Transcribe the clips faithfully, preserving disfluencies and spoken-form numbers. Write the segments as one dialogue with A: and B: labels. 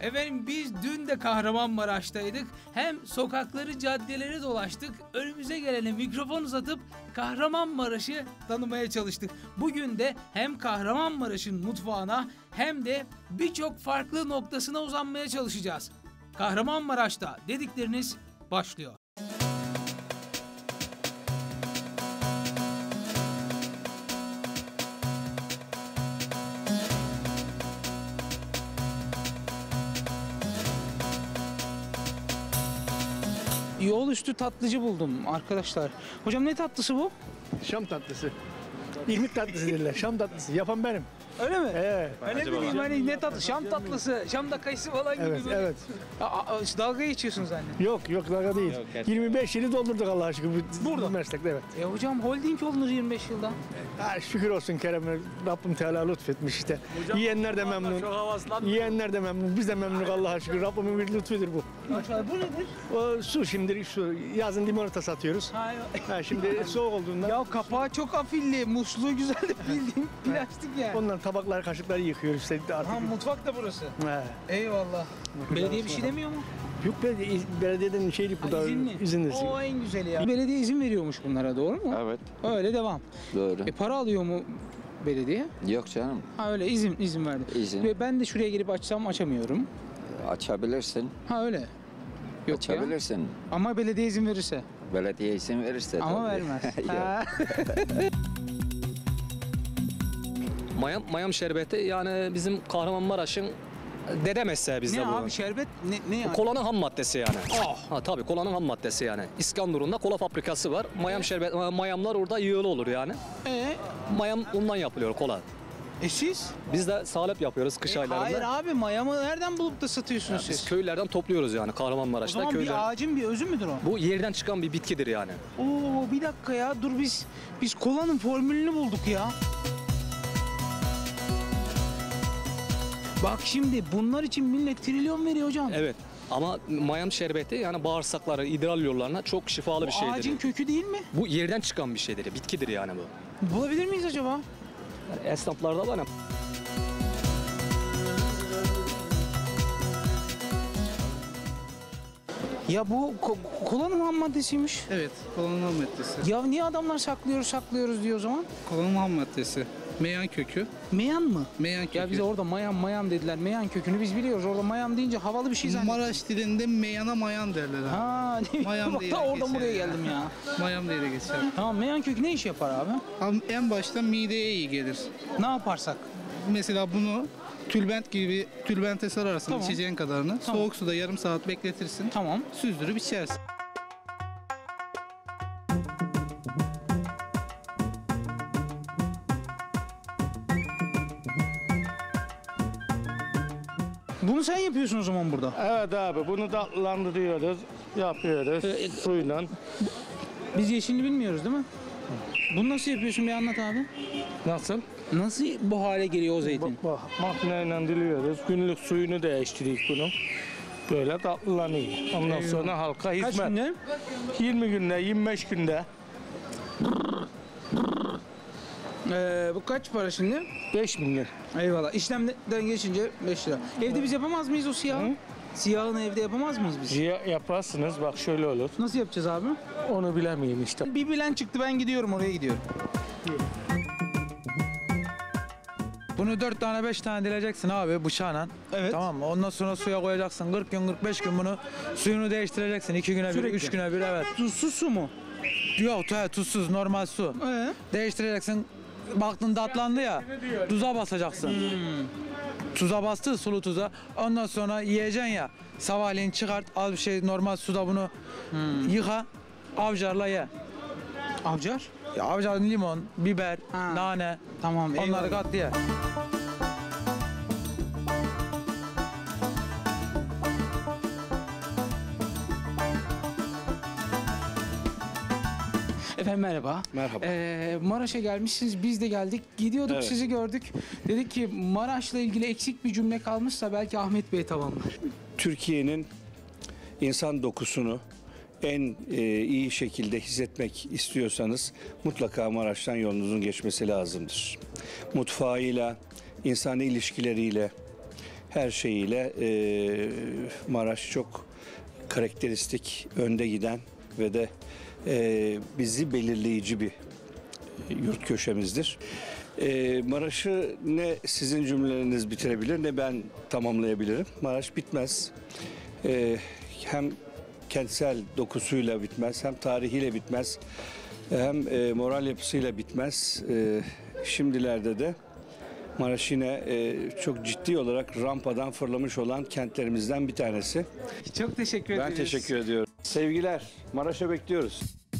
A: Efendim biz dün de Kahramanmaraş'taydık. Hem sokakları, caddeleri dolaştık. Önümüze gelene mikrofon uzatıp Kahramanmaraş'ı tanımaya çalıştık. Bugün de hem Kahramanmaraş'ın mutfağına hem de birçok farklı noktasına uzanmaya çalışacağız. Kahramanmaraş'ta dedikleriniz başlıyor. Yol üstü tatlıcı buldum arkadaşlar. Hocam ne tatlısı bu?
B: Şam tatlısı. İrmik tatlısı derler. Şam tatlısı. Yapan benim.
A: Öyle mi?
B: Evet.
A: Ben ne bileyim hani ne tatlı? Şam tatlısı. Şam'da kayısı falan gibi.
B: Evet,
A: böyle.
B: evet.
A: Aa, aa, dalga geçiyorsunuz anne.
B: Yok, yok dalga değil.
C: Yok,
B: yirmi beş yılı doldurduk Allah'a şükür bu,
A: Burada.
B: bu meslekte, evet.
A: E hocam holding olunur yirmi beş yılda.
B: Ha, şükür olsun Kerem'e. Rabbim Teala lütfetmiş işte. Hocam, Yiyenler de memnun. Yiyenler de memnun. Biz de memnunuz Allah'a şükür. Rabbimin bir lütfudur bu.
A: Bu nedir?
B: O su şimdi su. Yazın limonata satıyoruz.
A: Ha,
B: ha, şimdi soğuk olduğundan.
A: ya kapağı çok afilli. Musluğu güzel de bildiğim plastik yani.
B: Ondan tabaklar, kaşıkları yıkıyoruz işte artık.
A: Ha mutfak da burası.
B: He.
A: Eyvallah. Belediye bir şey demiyor mu?
B: Yok belediye, belediyeden şeylik bu da
A: İzinli.
B: izinli.
A: O en güzeli ya. Belediye izin veriyormuş bunlara, doğru mu?
C: Evet.
A: Öyle devam.
C: Doğru.
A: E para alıyor mu belediye?
C: Yok canım.
A: Ha öyle izin izin verdi.
C: İzin.
A: Ve ben de şuraya girip açsam açamıyorum.
C: Açabilirsin.
A: Ha öyle. Yok ya.
C: Açabilirsin.
A: Ama belediye izin verirse.
C: Belediye izin verirse.
A: Ama
C: tabii.
A: vermez.
C: Yok.
A: Ha.
D: Mayam, mayam şerbeti yani bizim Kahramanmaraş'ın dede mesleği bizde
A: Ne
D: bu.
A: abi şerbet ne, ne yani?
D: Kolanın ham maddesi yani.
A: Oh.
D: Ha tabii kolanın ham maddesi yani. İskenderun'da kola fabrikası var. Mayam şerbet mayamlar orada yığılı olur yani.
A: Ee,
D: Mayam ondan yapılıyor kola.
A: e siz?
D: Biz de salep yapıyoruz kış
A: E,
D: aylarında.
A: hayır abi mayamı nereden bulup da satıyorsunuz
D: Biz
A: siz?
D: köylerden topluyoruz yani
A: O
D: Kahramanmaraş'ta
A: zaman
D: köyler.
A: bir ağacın bir özü müdür o?
D: Bu yerden çıkan bir bitkidir yani.
A: Oo bir dakika ya dur biz biz kolanın formülünü bulduk ya. Bak şimdi bunlar için millet trilyon veriyor hocam.
D: Evet. Ama mayam şerbeti yani bağırsakları, idrar yollarına çok şifalı
A: Bu
D: bir şeydir.
A: ağacın kökü değil mi?
D: Bu yerden çıkan bir şeydir, bitkidir yani bu.
A: Bulabilir miyiz acaba?
D: Yani esnaflarda var ya.
A: Ya bu ko- kolanın ham maddesiymiş.
E: Evet, kolanın ham maddesi.
A: Ya niye adamlar saklıyoruz saklıyoruz diyor o zaman?
E: Kolanın ham maddesi. Meyan kökü.
A: Meyan mı?
E: Meyan kökü.
A: Ya bize orada mayan mayan dediler. Meyan kökünü biz biliyoruz. Orada mayan deyince havalı bir şey zannediyoruz.
E: Maraş dilinde meyana mayan derler. Ha.
A: Ha, ne
E: Mayan
A: Bak
E: diye
A: da oradan
E: geçer
A: buraya
E: ya.
A: geldim ya.
E: Mayan diye de geçer.
A: Tamam meyan kökü ne iş yapar abi?
E: Ama en başta mideye iyi gelir.
A: Ne yaparsak?
E: Mesela bunu tülbent gibi tülbente sararsın
A: Tamam.
E: içeceğin kadarını.
A: Tamam.
E: Soğuk suda yarım saat bekletirsin.
A: Tamam.
E: Süzdürüp içersin.
A: Bunu sen yapıyorsun o zaman burada.
B: Evet abi bunu tatlandırıyoruz, yapıyoruz
A: Ee,
B: suyla.
A: Biz yeşilini bilmiyoruz değil mi? Bunu nasıl yapıyorsun bir anlat abi.
B: Nasıl?
A: Nasıl bu hale geliyor o zeytin?
B: Bak, bak makineyle diliyoruz. Günlük suyunu değiştiriyoruz bunun. Böyle tatlılanıyor. Ondan sonra halka hizmet.
A: Kaç günde?
B: yirmi günde, yirmi beş günde.
A: Ee, bu kaç para şimdi?
B: beş milyon.
A: Eyvallah. İşlemden geçince beş lira. Evde biz yapamaz mıyız o siyahı?
B: Hı?
A: Siyahını evde yapamaz mıyız biz?
B: Ya, yaparsınız bak şöyle olur.
A: Nasıl yapacağız abi?
B: Onu bilemeyeyim işte.
A: Bir bilen çıktı ben gidiyorum oraya gidiyorum.
F: Bunu dört tane beş tane dileceksin abi bıçağla.
A: Evet.
F: Tamam mı? Ondan sonra suya koyacaksın. kırk gün kırk beş gün bunu suyunu değiştireceksin. iki güne bir,
A: Sürekli.
F: üç güne bir evet.
A: Tuzsuz su mu?
F: Yok he, tuzsuz normal su.
A: Ee?
F: Değiştireceksin. Baktın tatlandı ya. Tuza basacaksın. Tuza bastı sulu tuza. Ondan sonra yiyeceksin ya. Sabahleyin çıkart al bir şey normal suda bunu yıka. Avcarla ye.
A: Avcar?
F: Ya avcar limon, biber,
A: Ha.
F: nane.
A: Tamam.
F: Onları
A: eyvallah.
F: kat ye.
A: Efendim merhaba.
B: Merhaba.
A: Ee, Maraş'a gelmişsiniz. Biz de geldik. Gidiyorduk
B: Evet.
A: sizi gördük. Dedik ki Maraş'la ilgili eksik bir cümle kalmışsa belki Ahmet Bey tamamlar.
G: Türkiye'nin insan dokusunu en e, iyi şekilde hissetmek istiyorsanız mutlaka Maraş'tan yolunuzun geçmesi lazımdır. Mutfağıyla, insani ilişkileriyle, her şeyiyle e, Maraş çok karakteristik, önde giden ve de e, bizi belirleyici bir yurt köşemizdir. E, Maraş'ı ne sizin cümleleriniz bitirebilir ne ben tamamlayabilirim. Maraş bitmez. E, hem kentsel dokusuyla bitmez, hem tarihiyle bitmez, hem e, moral yapısıyla bitmez. E, şimdilerde de Maraş yine e, çok ciddi olarak rampadan fırlamış olan kentlerimizden bir tanesi.
A: Çok teşekkür ederiz.
G: Ben teşekkür ediyorum. Sevgiler, Maraş'a bekliyoruz.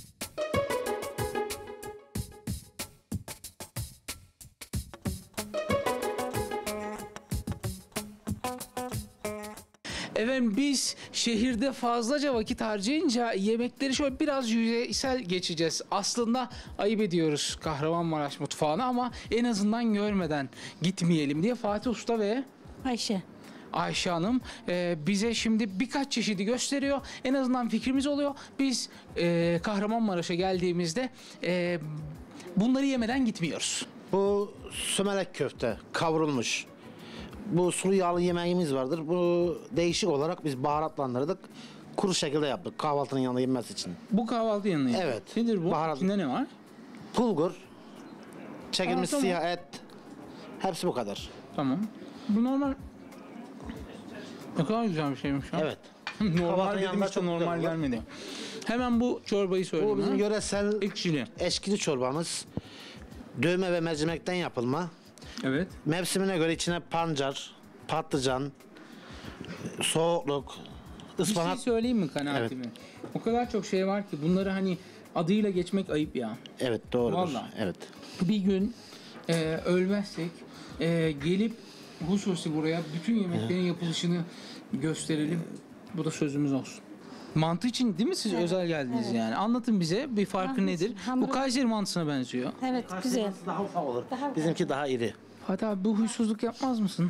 A: Efendim biz şehirde fazlaca vakit harcayınca yemekleri şöyle biraz yüzeysel geçeceğiz. Aslında ayıp ediyoruz Kahramanmaraş mutfağına ama en azından görmeden gitmeyelim diye Fatih Usta ve
H: Ayşe.
A: Ayşe Hanım e, bize şimdi birkaç çeşidi gösteriyor. En azından fikrimiz oluyor. Biz e, Kahramanmaraş'a geldiğimizde e, bunları yemeden gitmiyoruz.
I: Bu sömelek köfte kavrulmuş. Bu sulu yağlı yemeğimiz vardır. Bu değişik olarak biz baharatlandırdık. Kuru şekilde yaptık kahvaltının yanında yenmesi için.
A: Bu kahvaltı yanına.
I: Evet.
A: Nedir bu?
I: Baharat-
A: İçinde ne var?
I: Bulgur, çekilmiş
A: Aa, tamam.
I: siyah et. Hepsi bu kadar.
A: Tamam. Bu normal. Ne kadar güzel bir şeymiş ya.
I: Evet.
A: Normal
I: Kahvaltının
A: dedim
I: yanında
A: işte
I: çok
A: normal
I: güzel olur.
A: gelmedi. Hemen bu çorbayı söyleyeyim.
I: Bu bizim
A: ha.
I: yöresel
A: Ekşili.
I: eşkili çorbamız. Dövme ve mercimekten yapılma.
A: Evet.
I: Mevsimine göre içine pancar, patlıcan, soğukluk,
A: Bir şey
I: ıspanak.
A: söyleyeyim mi kanaatimi? O kadar çok şey var ki bunları hani adıyla geçmek ayıp ya.
I: Evet doğrudur.
A: Vallahi.
I: Evet.
A: Bir gün e, ölmezsek e, gelip hususi buraya bütün yemeklerin yapılışını gösterelim. Bu da sözümüz olsun. Mantı için değil mi siz özel geldiniz yani? Anlatın bize bir farkı
H: Mantı
A: nedir?
H: için hamuru-
A: Bu Kayseri mantısına benziyor.
H: Evet güzel.
I: Daha ufak olur.
H: Daha-
I: Bizimki daha iri.
A: Fatih abi bu huysuzluk yapmaz mısın?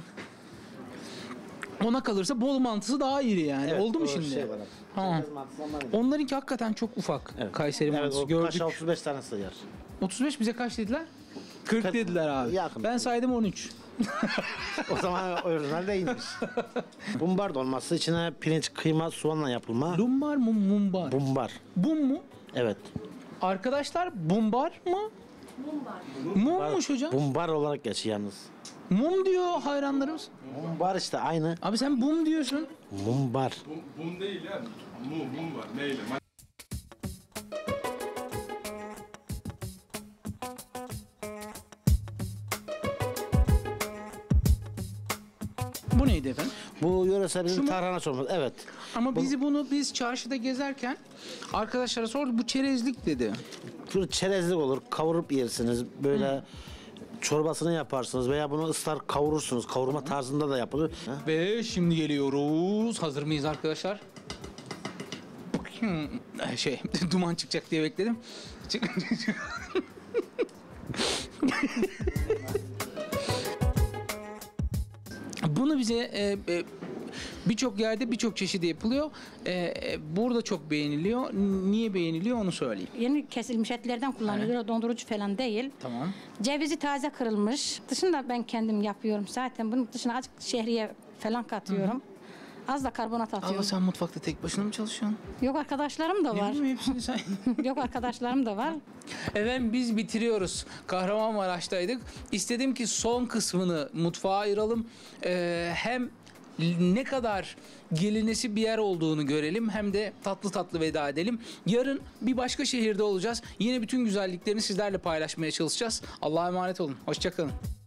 A: Ona kalırsa bol mantısı daha iri yani.
I: Evet,
A: Oldu mu
I: o
A: şimdi?
I: şey var.
A: Tamam.
I: Çerkez mantısı ondan iri.
A: Onlarınki hakikaten çok ufak.
I: Evet.
A: Kayseri
I: Evet,
A: mantısı
I: o
A: gördük.
I: kaşa otuz beş tane sığar.
A: otuz beş bize kaç dediler? kırk
I: kırk
A: dediler abi.
I: yakın.
A: Ben saydım on üç.
I: O zaman orijinal değilmiş. Bumbar dolması içine pirinç, kıyma, soğanla yapılma.
A: Lumbar mı mumbar?
I: Bumbar.
A: Bum mu?
I: Evet.
A: Arkadaşlar bumbar mı? Mumbar. Mummuş hocam.
I: Bumbar olarak geçiyor yalnız.
A: Mum diyor hayranlarımız.
I: Bumbar işte aynı.
A: Abi sen bum diyorsun.
I: Mumbar.
J: Bum değil ya. Mum, mum var. Neyle?
A: Bu neydi efendim?
I: Bu yöresel
A: Şu
I: bizim
A: mu?
I: tarhana çorbası. Evet.
A: Ama bizi bunu biz çarşıda gezerken arkadaşlara sorduk bu çerezlik dedi.
I: Şu çerezlik olur. Kavurup yersiniz. Böyle çorbasını yaparsınız veya bunu ıslar kavurursunuz. Kavurma tarzında da yapılır. Ha?
A: Ve şimdi geliyoruz. Hazır mıyız arkadaşlar? Hmm, şey duman çıkacak diye bekledim. Çık- Bunu bize e, e, birçok yerde birçok çeşidi yapılıyor. E, e, burada çok beğeniliyor. Niye beğeniliyor onu söyleyeyim.
H: Yeni kesilmiş etlerden kullanılıyor. Dondurucu falan değil.
A: Tamam.
H: Cevizi taze kırılmış. Dışında ben kendim yapıyorum zaten. Bunun dışına azıcık şehriye falan katıyorum. Az da karbonat atıyorum.
A: Allah sen mutfakta tek başına mı çalışıyorsun?
H: Yok arkadaşlarım da
A: Ne
H: var.
A: bileyim hepsini sen.
H: Yok arkadaşlarım da var.
A: Efendim biz bitiriyoruz. Kahramanmaraş'taydık. İstedim ki son kısmını mutfağa ayıralım. Ee, hem ne kadar gelinesi bir yer olduğunu görelim hem de tatlı tatlı veda edelim. Yarın bir başka şehirde olacağız. Yine bütün güzelliklerini sizlerle paylaşmaya çalışacağız. Allah'a emanet olun. Hoşça kalın.